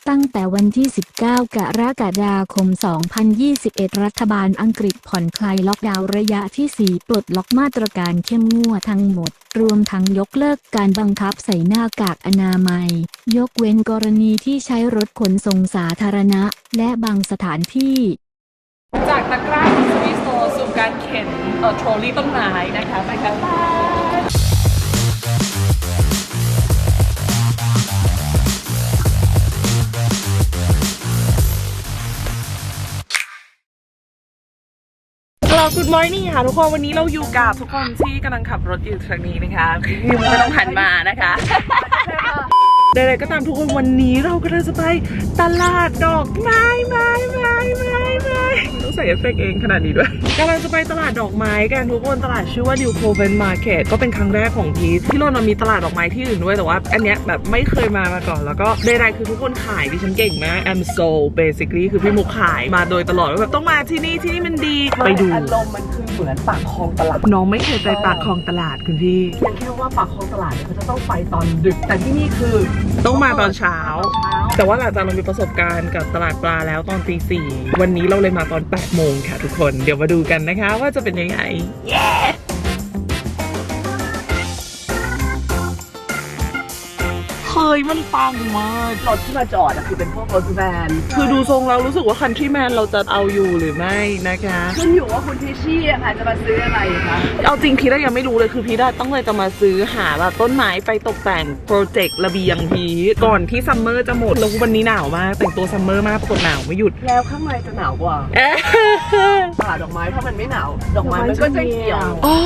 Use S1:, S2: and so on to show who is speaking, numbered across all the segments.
S1: ตั้งแต่วันที่ 19 กรกฎาคม 2021 รัฐบาลอังกฤษผ่อนคลายล็อกดาวน์ระยะที่ 4 ปลดล็อกมาตรการเข้มงวดทั้งหมด รวมทั้งยกเลิกการบังคับใส่หน้ากากอนามัย ยกเว้นกรณีที่ใช้รถขนส่งสาธารณะ และบางสถานที่
S2: จากตะกร้าของสวิสโซสู่การเข็นโทรลลี่ต้นไม้นะคะไปกันGood morning ค่ะทุกคนวันนี้เราอยู่กับทุกคนที่กำลังขับรถอยู่ทางนี้นะคะไม่ต้องหันมานะคะใดๆก็ตามทุกคนวันนี้เราก็จะไปตลาดดอกไม้ต้องใส่เอฟเฟกต์เองขนาดนี้ด้วยกำลังจะไปตลาดดอกไม้กันทุกคนตลาดชื่อว่า New Covent Market ก็เป็นครั้งแรกของพีทที่ลอนดอนมีตลาดดอกไม้ที่อื่นด้วยแต่ว่าอันเนี้ยแบบไม่เคยมาก่อนแล้วก็ใดๆคือทุกคนขายดิฉันเก่งมาก I'm so basically คือพี่มุกขายมาโดยตลอดว่าแบบต้องมาที่นี่มันดีไปดูอารมณ์มันคือเหมือนปากคลองตลาดน้องไม่เคยไปปากคลองตลาดคุณพี่เพียงแค่ว่าปากคลองตลาดเนี่ยเขาจะต้องไปตอนดึกแต่ที่นี่คือต้องมาตอนเช้าแต่ว่าหลังจากเรามีประสบการณ์กับตลาดปลาแล้วตอนตี 4วันนี้เราเลยมาตอน 8 โมงค่ะทุกคนเดี๋ยวมาดูกันนะคะว่าจะเป็นยังไงเฮ้ยมันปังมากรถที่มาจอดคือเป็นพวกรถแวนคือดูทรงเรารู้สึกว่าคันทรีแมนเราจะเอาอยู่หรือไม่นะคะ
S3: ขึ้นอยู่ว่าคุณทิชชี่ค่ะจะมาซื้ออะไรคะ
S2: เอาจริงพีทยังไม่รู้เลยคือพีทต้องเลยจะมาซื้อหาแบบต้นไม้ไปตกแต่งโปรเจกต์ระเบียงพีทก่อนที่ซัมเมอร์จะหมดแล้ววันนี้หนาวมากแต่งตัวซัมเมอร์มากปรากฏหนาวไม่หยุด
S3: แล้วข้างในจะหนาวกว่าตลาดดอกไม้ถ้ามันไม่หนาวดอกไม้มันก็จะเหี่ยว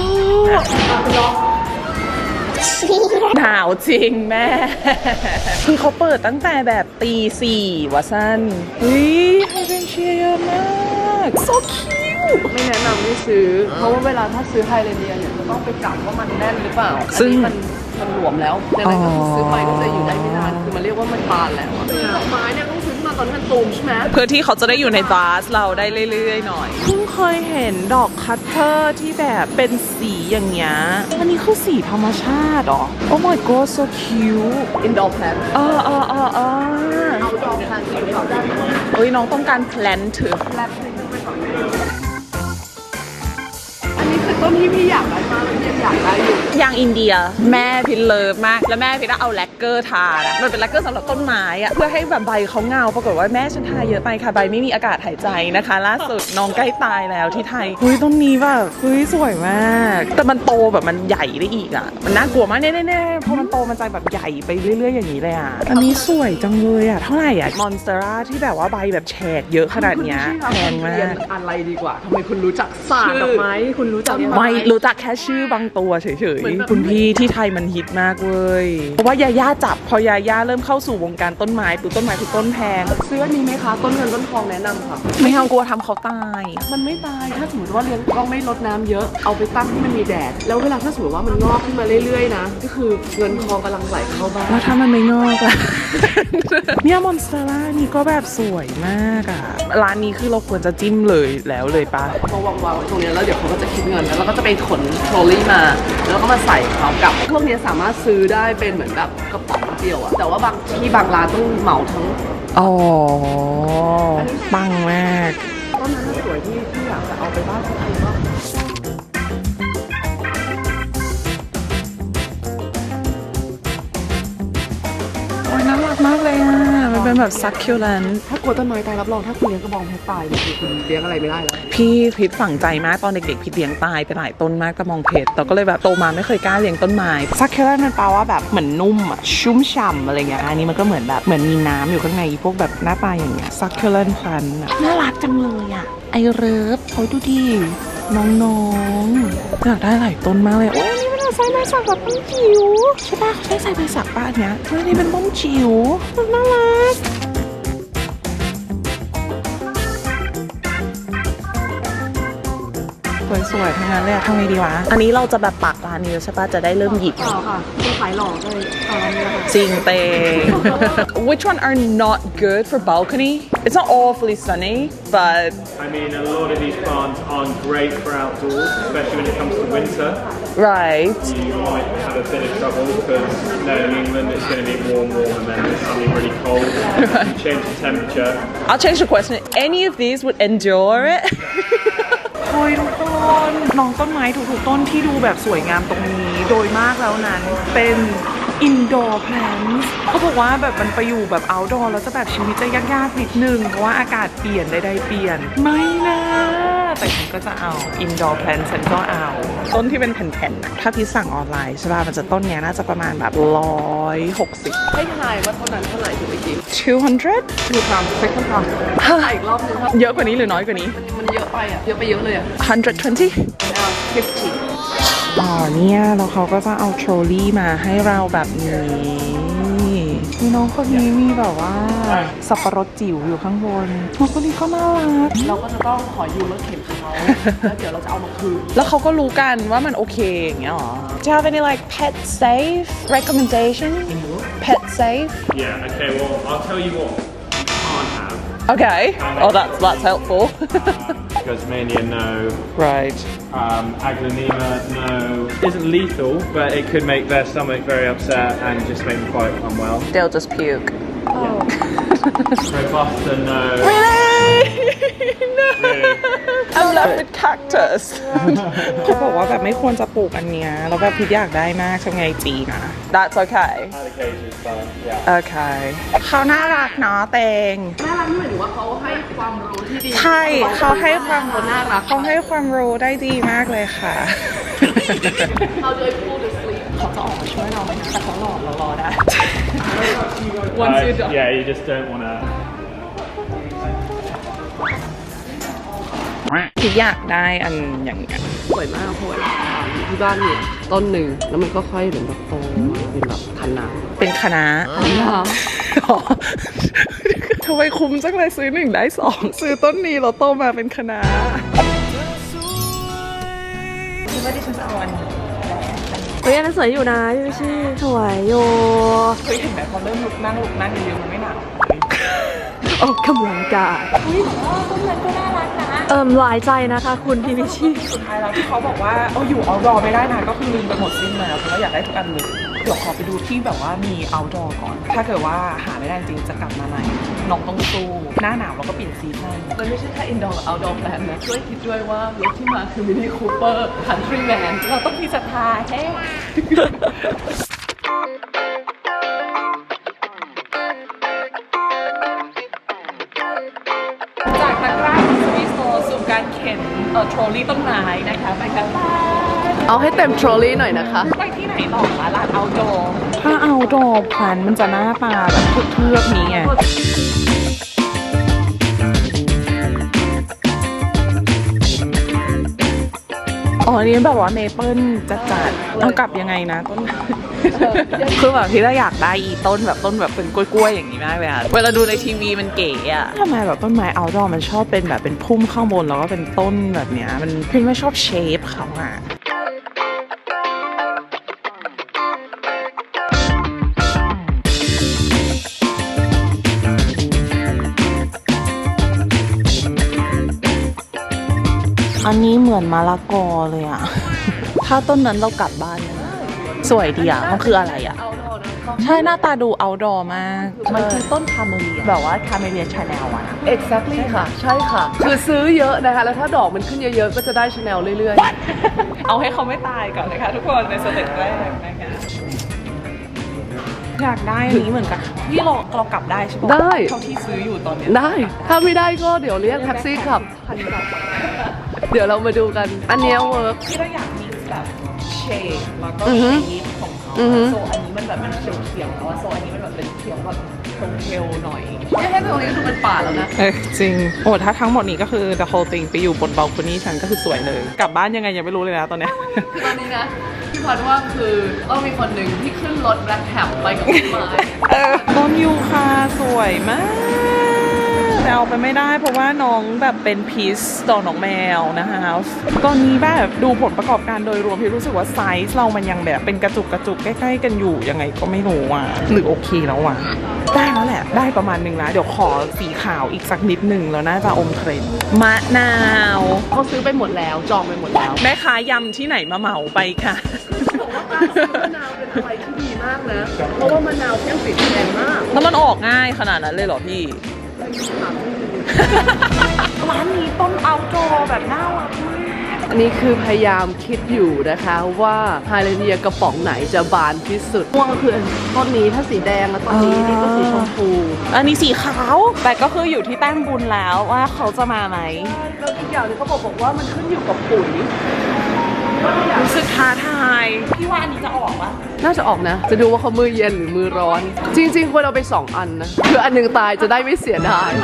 S2: หนาวจริงแม่คือเขาเปิดตั้งแต่แบบตี 4วะสั้นไฮเดรนเชียเยอะมาก so cute
S3: ไม่แนะนำไม่ซื้อเพราะว่าเวลาถ้าซื้อไฮเรเนียเนี่ยจะต้องไปกะว่ามันแน่นหรือเปล่าซึ่งมันหลวมแล้วดังนั้นก็คือซื้อไปก็จะอยู่ได้ไม่นานคือมันเรียกว่ามันบานแล้วดอกไม้เนี่ยต้องซื้อมาตอนที่มันตูมใช่ไหม
S2: เพื่อที่เขาจะได้อยู่ในบาสเราได้เรื่อยๆหน่อยเพิ่งเคยเห็นดอกคัตเตอร์ที่แบบเป็นสีอย่างเงี้ยอันนี้คือสีธรรมชาติหรอ Oh my god so cute
S3: indoor plant
S2: เอา
S3: ดอกแพลนที่เขาได้
S2: เอ้ยน้องต้องการแพลนถือ
S3: อันนี้คือต้นที่พี่อยากได้มากเลยยังอยากได้อยู่
S2: ยางอินเดียแม่พินเลิฟมากแล้วแม่พินเอาแลกเกอร์ทานะมันเป็นแลกเกอร์สำหรับต้นไม้อะเพื่อให้แบบใบเขาเงาปรากฏว่าแม่ฉันทาเยอะไปค่ะใบไม่มีอากาศหายใจนะคะล่าสุดน้องใกล้ตายแล้วที่ไทยต้นนี้แบบสวยมากแต่มันโตแบบมันใหญ่ได้อีกอะมันน่ากลัวมากแน่ๆพอมันโตมันจะแบบใหญ่ไปเรื่อยๆอย่างนี้เลยอะอันนี้สวยจังเลยอะเท่าไหร่อะมอนสเตอร่าที่แบบว่าใบแบบแฉกเยอะขนาดเนี้ยแพงมาก
S3: อะไรดีกว่าทำไมคุณรู้จักศาสตร์ดอกไม้คุณรู้จัก
S2: ไม่รู้จักแค่ชื่อบางตัวเฉยๆคุณพี่ที่ไทยมันฮิตมากเว้ยเพราะว่ายาย่าจับพอยาย่าเริ่มเข้าสู่วงการต้นไม้ต้นไม้คือต้นแพง
S3: ซื้ออันนี้ไหมคะต้นเงินต้นทองแนะนำค่ะ
S2: ไม่เอากลัวทำเขาตาย
S3: มันไม่ตายถ้าสมมติว่าเลี้ยงต้องไม่ลดน้ำเยอะเอาไปตั้งที่มันมีแดดแล้วเวลาถ้าสมมติว่ามันงอกขึ้นมาเรื่อยๆนะก็คือเงินทองกำลังไหลเข้าบ้าน
S2: แล้วถ้ามันไม่งอกล่ะเนี่ยมอนสเตอร่านี่ก็แบบสวยมากอ่ะร้านนี้คือเราควรจะจิ้มเลยแล้วเลยปะ
S3: เขาวางไว้ตรงนี้แล้วเดี๋ยวเขาก็จะคิดเงินแล้วเราก็จะไปขนโทรลลี่มาแล้วก็มาใส่เขากับพวกนี้สามารถซื้อได้เป็นเหมือนแบบกระป๋องเดียวอะแต่ว่าบางที่บางร้านต้องเหมาทั้ง
S2: ปังมาก
S3: ต้นนั้นสวยที่อยากจะเอาไปบ้านคุณคือว่า
S2: น่ารักมากเลยอ่ะมันเป็นแบบซักคิวแลน
S3: ถ้ากลัวต้นไม้ตายรับรองถ้าคุณเลี้ยงกระบองเพชรตายคือคุณเลี้ยงอะไรไม่ได้แล้ว
S2: พี่พิษฝังใจมากตอนเด็กๆพิษเลี้ยงตายไปหลายต้นมากกระบองเพชรแต่ก็เลยแบบโตมาไม่เคยกล้าเลี้ยงต้นไม้ซักคิวแลนมันแปลว่าแบบเหมือนนุ่มอ่ะชุ่มฉ่ำอะไรเงี้ยอันนี้มันก็เหมือนแบบเหมือนมีน้ำอยู่ข้างในพวกแบบหน้าตาอย่างเงี้ยซักคิวแลนพันน่ารักจังเลยอ่ะไอเลิฟเขาดูดีน้องๆอยากได้หลายต้นมากเลยโอ้ยนี่เป็นไซใบสักแบบต้นจิ๋วใช่ป่ะเขาใช้ไซใบสักป่ะเนี้ยนี่เป็นต้นจิ๋วน่ารักสวยๆทั้งนั้นเลยทำไงดีวะอันนี้เราจะแบบปักร้านนี้ใช่ปะจะได้เริ่มหยิบ
S3: เปล่าค่ะคือขายหลอกเลยตอนนี้ค่ะ
S2: จริงเต Which one are not good for balcony? It's not awfully sunny, but
S4: I mean, a lot of these plants aren't great for outdoors, especially when it comes to winter.
S2: right.
S4: You might have a bit of trouble because now in England it's going to be warm, and then it's suddenly really cold. You change the temperature.
S2: I'll change the question. Any of these would endure it? โอ้ยทุกคนน้องต้นไม้ทุกๆต้นที่ดูแบบสวยงามตรงนี้โดยมากแล้วนั้นเป็น indoor plants เขาบอกว่าแบบมันไปอยู่แบบ outdoor แล้วจะแบบชีวิตจะยากๆนิดนึงเพราะว่าอากาศเปลี่ยนใดๆเปลี่ยนไม่นะแต่ฉันก็จะเอา indoor plant ฉันก็เอาต้นที่เป็นแผ่นๆนะถ้าพี่สั่งออนไลน์ใช่ป่ะมันจะต้นเนี้ยน่าจะประมาณแบบ160
S3: ให้ทายว่าเท่านั้นเท่าไหร่ถึงไปกิน
S2: 200
S3: คือความเซ็กซ์ความถ่ายอีกรอบนึงครับ
S2: เยอะกว่านี้หรือน้อยกว่านี้
S3: มันเยอะไปอ่ะเยอะไปเยอะเลยอ่ะ
S2: 120
S3: 50
S2: อ๋อเนี่ยแล้วเขาก็จะเอาโทรลลี่มาให้เราแบบนี้มีน้องคนนี้มีแบบว่าสับปะรดจิ๋วอยู่ข้างบนน้องคนนี้ก็น่ารัก
S3: เราก็จะต้องขอยืมรถเข็นเขาแล้วเดี๋ยวเราจะเอามาคืน
S2: แล้วเขาก็รู้กันว่ามันโอเคอย่างเงี้ยหรอ Do you have any like pet safe recommendation pet safe
S4: Yeah, okay, well, I'll tell you what you can't have.
S2: Okay oh that's helpful
S4: Gosmania, no.
S2: right
S4: Aglaonema, no. Isn't lethal, but it could make their stomach very upset and just make them quite unwell.
S2: they'll just puke
S4: Robusta, no.
S2: Really? No.
S4: Really?
S2: I'm left with cactus. เขาบอกว่าแบบไม่ควรจะปลูกอันเนี้ยแล้วแบบพี่อยากได้มากทำไงจีนะ That's okay.
S4: Allocation is fine, yeah.
S2: Okay. เขาน่ารักเนาะเตง
S3: น่ารักหมายถึงว่าเขาให้ความรู้ที่ดี
S2: ใช่เขาให้ความ
S3: น่ารัก
S2: เขาให้ความรู้ได้ดีมากเลยค่ะ
S3: เขาโดยพูด sleep เขาจะออกมาช่วยเราไหมนะแต่เขาหลอกเรารอได้
S4: Yeah, you just don't want to.
S2: พี่อยากได้อันอย่างเงี้ย
S3: สวยมากเพราะว่าอยู่ที่บ้านเนี่ยต้นหนึ่งแล้วมันก็ค่อยเหมือนแบบโตมาเป็นแบบคันน้ำ
S2: เป็นคณะ อ๋อทำไมคุ้มจังเลยซื้อ1ได้2ซื้อต้นนี้เราโตมาเป็นคณะคิดว่าดิฉันจะเอาอันนี้
S3: เฮ้ยอันนั้นสวยอยู่นะพี่ชิสวยอยู่
S2: เคยเห็นไหมพอเริ่มลุกนั่งเยอะๆมันไม่หนัก
S3: ออกกำลังกายหลายใจนะคะคุณพี่พิชิ
S2: สุดท้ายแล้วที่เขาบอกว่าอยู่เอาดอไม่ได้นะก็คือลืมไปหมดสิ้นแล้วเพราะว่าอยากได้ทุกอันเลยเดี๋ยวขอไปดูที่แบบว่ามีเอาดอก่อน ถ้าเกิดว่าหาไม่ได้จริงจะกลับมาใหม่น้องต้องสู้หน้าหนาวแล้วก็เปลี่ยนซีซั่น
S3: มันไม่ใช่แค่ indoor กับ outdoor plan นะช่วยคิดด้วยว่ารถที่มาคือ Mini Cooper Countryman เราต้องมีศรัทธาแท้
S2: จากตะกร้าของสวีทโซสู่การเข็นโทรลลี่ต้นไม้นะคะไปกัน
S3: เอาให้เต็ม trolley หน่อยนะคะ
S2: ไปที่ไหนต่อคะร้านเอาดอถ้าเอาดอพลันมันจะหน้าตาแบบเทือกๆนี้ไงอ๋อนี่แบบว่าเมเปิลจัดเอากลับยังไงนะต้น คือแบบที่เราอยากได้ต้นแบบเป็นกล้วยๆอย่างนี้มากเลยอะเวลาดูในทีวีมันเก๋อะทำไมแบบต้นไม้เอาดอมันชอบเป็นแบบเป็นพุ่มข้างบนแล้วก็เป็นต้นแบบเนี้ยมันพี่ไม่ชอบเชฟเขาอะอันนี้เหมือนมะละกอเลยอะ ถ้าต้นนั้นเรากลับบ้านเลยสวยดีอะมันคืออะไรอะใช่หน้าตาดูเอาดอมาก มันคือต้นคาเมเลียแบบว่าคาเมเลียชาแนลอะนะ
S3: exactly ค่ะ ใช่ค่ะ คือซื้อเยอะนะคะ แล้วถ้าดอกมันขึ้นเยอะๆ ก็จะได้ชาแนลเรื่อย
S2: เอาให้เขาไม่ตายก่อนนะคะทุกคนในสเต็ปแรกนะคะอยากได้อันนี้เหมือนกันที่เรากลับได้ใช่ปะ
S3: ได้
S2: เท่าที่ซื้ออยู่ตอนเนี้ย
S3: ๆ ได้ ถ้าไม่ได้ก็เดี๋ยวเรียกแท็กซี่ขับ เดี๋ยวเรามาดูกัน อันเนี้ยเวิร์ก
S2: ที่เราอยากมีแบบเชดแล้วก็
S3: อือฮึ
S2: ชีสของเขา
S3: อือฮึ
S2: โซอันนี้มันแบบมันเขียวๆแล้วว่าโซอันนี้มันแบบเป็นเขียวแบบเทลหน่อย
S3: แค่ตรงนี้ก็ดูเป็นป่าแล้วนะ
S2: จริงโอ้ถ้าทั้งหมดนี้ก็คือ the whole thing ไปอยู่บนเบลคอนี่ฉันก็คือสวยเลยกลับบ้านยังไงยังไม่รู้เลยนะตอนเนี้ย
S3: คือตอนนี้นะ พี่พัดว่าคือต้องมีคนหนึ่งที่ขึ้นรถแบล็คแฮมไปกับต้นไม้
S2: ต้นยูคาสวยมากแต่เอาไปไม่ได้เพราะว่าน้องแบบเป็นพีซต่อน้องแมวนะคะตอนนี้แบบดูผลประกอบการโดยรวมพี่รู้สึกว่าไซส์เรามันยังแบบเป็นกระจุกใกล้ๆกันอยู่ยังไงก็ไม่รู้อ่ะหรือโอเคแล้วอ่ะได้แล้วแหละได้ประมาณนึงแล้วเดี๋ยวขอสีขาวอีกสักนิดนึงแล้วน่าจะอมเทรนด์มะนาว
S3: เขาซื้อไปหมดแล้วจองไปหมดแล้ว
S2: แม่ค้ายำที่ไหนมาเหมาไปค่ะ
S3: บอกว่าการซื้อมะนาวเป็นอะไรที่ดีมากนะ เพราะว่ามะนาวที่อังกฤษแพงมาก
S2: แล้วมันออกง่ายขนาดนั้นเลยเหรอพี่ ร้านนี้ต้นเอาโจแบบน่ารักมาก
S3: อันนี้คือพยายามคิดอยู่นะคะว่าไฮเลเนียกระป๋องไหนจะบานที่สุดม่วงก็คือต้นนี้ถ้าสีแดงแล้วต้นนี้นี่ก็สีชมพู
S2: อันนี้สีขาว แต่ก็คืออยู่ที่แต้มบุญแล้วว่าเขาจะมาไหม
S3: แล้วอีกอย่างหนึงเขาบอกว่ามันขึ้นอยู่กับปุ๋ย
S2: รู้สึกท้าทายพี่ว่าอันนี้จะออกปะ
S3: น่าจะออกนะ จะดูว่าเขามือเย็นหรือมือร้อน จริงๆควรเอาไป2 อันนะคืออันหนึงตายจะได้ไม่เสียดาย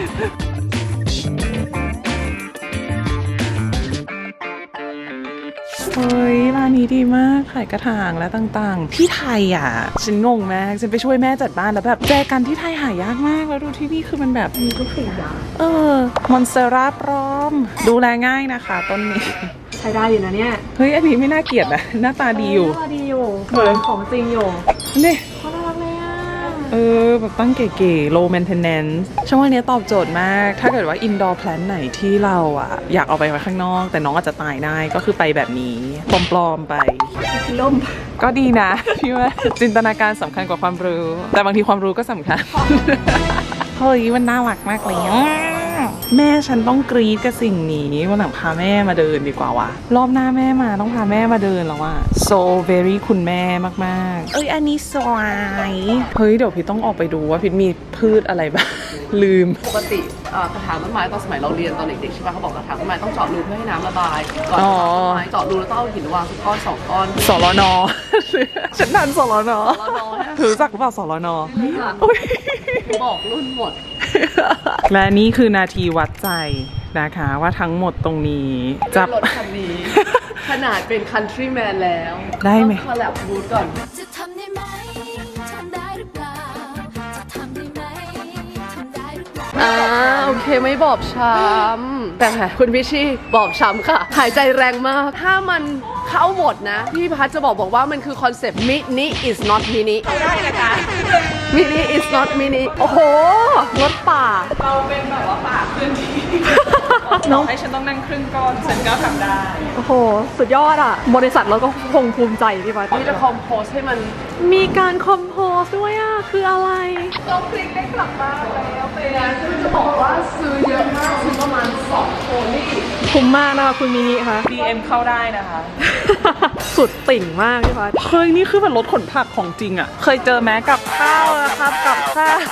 S2: เฮ้ยร้านนี้ดีมากขายกระถางและต่างๆที่ไทยอ่ะฉันงงมากฉันไปช่วยแม่จัดบ้านแล้วแบบแจกันที่ไทยหายากมากแล้วดูที่นี่คือมันแบบมีทุกสิ่งอย่างมอนสเตอร่าพร้อมดูแลง่ายนะคะต้นนี้
S5: ใช้ได้อยู่นะเนี่ย
S2: เฮ้ยอันนี้ไม่น่าเกลียดนะหน้าตาดีอยู่
S5: น่าดีอยู่เหมือนของจริงอยู่
S2: นี่
S5: เขาน่ารักเลยอ่ะ
S2: แบบตั้งเก๋ๆ low maintenance ช่วงวันนี้ตอบโจทย์มาก ถ้าเกิดว่า indoor plant ไหนที่เราอยากเอาไปไว้ข้างนอก แต่น้องอาจจะตายได้ก็คือไปแบบนี้ปลอมๆไป
S5: ล่ม
S2: ก็ดีนะ พี่ว่าจินตนาการสำคัญกว่าความรู้ แต่บางทีความรู้ก็สำคัญ เฮ้ยมันน่ารักมากเลยอะแม่ฉันต้องกรี๊ดกับสิ่งนี้วันหลังพาแม่มาเดินดีกว่าว่ะรอบหน้าแม่มาต้องพาแม่มาเดินแล้วว่ะ so very คุณแม่มากๆอันนี้สวยเฮ้ยเดี๋ยวพี่ต้องออกไปดูว่าพี่มีพืชอะไรบ้าง ลืม
S3: ปกติกระถางต้นไม้ตอนสมัยเราเรียนตอนเด็กๆใช่ไหมเขาบอกกระถางต้นไม้ต้องเจาะรูเพื่อให้น้ำระบายก่อน
S2: อ๋อ
S3: ต้นไม้เจาะรูแล้วต้องเอาหินวางสักก้อน2 ก้อน
S2: สรน ฉันทันสรน
S3: สรน
S2: รู้จักหรือเปล่าสรนอุ๊ย
S3: บอกรุ่นหมด
S2: และนี่คือนาทีวัดใจนะคะว่าทั้งหมดตรงนี้จะ
S3: รถคันนี้ ขนาดเป็น countryman แล้ว
S2: ได้ไหม
S3: ต้องคอลแลบบูธก่อน
S6: จะทำได้ไหม ทำได้หรือเปล่า จะทำได้ไหม ทำได้หรือเปล่า
S3: โอเคไม่บอบช้ำแต่ค่ะคุณพิชชี่บอบช้ำค่ะ หายใจแรงมาก ถ้ามันเข้าหมดนะ พี่พัชจะบอกว่ามันคือคอนเซปต์ mini is not mini
S2: ได้นะคะ
S3: mini is not mini โอ้โหรถป่า
S2: เราเป็นแบบว่าป่าพื้นที่น้องให้ฉันต้องนั่งครึ่งก้อนฉันก็ทำได้
S5: โอ้โห สุดยอดอ่ะ บริษัทเราก็คงภูมิใจพี่วัด
S3: นี่จะคอมโพสให้มัน
S5: มีการคอมโพสด้วยอ่ะ คืออะไร
S3: เราพลิกได้กลับบ้านแล้วแต่คือจะบอกว่าซื้อเยอะมากซื้อประมาณ2 โทนี่
S5: คุ้มมากนะคะคุณมินิคะ
S2: DM เข้าได้นะคะ
S5: สุดติ่งมากพี่วัด
S2: เฮ้ยนี่คือแบบรถขนผักของจริงอ่ะ เคยเจอแม้กับข้าวนะครับกับข้าว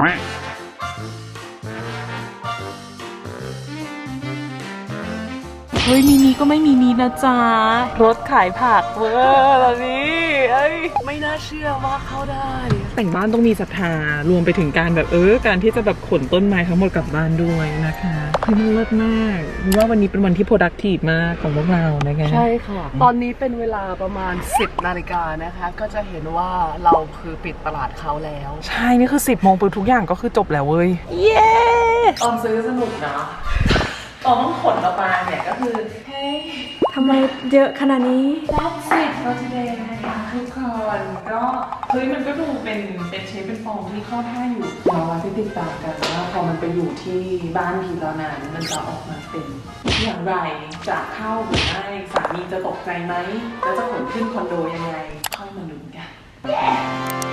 S2: เฮ้ยมินิก็ไม่มีนินะจ๊ะ รถขายผักเวอร์แล้วนี่เอ้ย
S3: ไม่น่าเชื่อว่าเข้าได้
S2: แต่งบ้านต้องมีศรัทธารวมไปถึงการแบบการที่จะแบบขนต้นไม้ทั้งหมดกลับบ้านด้วยนะคะคือมันเลิศมากว่าวันนี้เป็นวันที่ productive มากของพวกเรานะคะ
S3: ใช่ค่ะ ตอนนี้เป็นเวลาประมาณ 10 นาฬิกานะคะ ก็จะเห็นว่าเราคือปิดตลาดเขาแล้ว
S2: ใช่ นี่คือ 10 โมงปุ๊บทุกอย่างก็คือจบแล้วเว้ย เย้ตอนซื้อสนุกนะตอนต้องขนออกมาเนี่ยก็คือ เฮ้ย
S5: ทำไมเยอะขนาดนี้
S2: that's it for today นะคะทุกคนก็เฮ้ยมันก็ดูเป็นเชฟเป็นฟองที่เข้าท่าอยู่เราที่ติดตามกันว่าพอมันไปอยู่ที่บ้านพีแล้วนั้นมันจะออกมาเป็นอย่างไรจะเข้าหรือไม่สามีจะตกใจไหมแล้วจะขนขึ้นคอนโดยังไงค่อยมาลุ้นกัน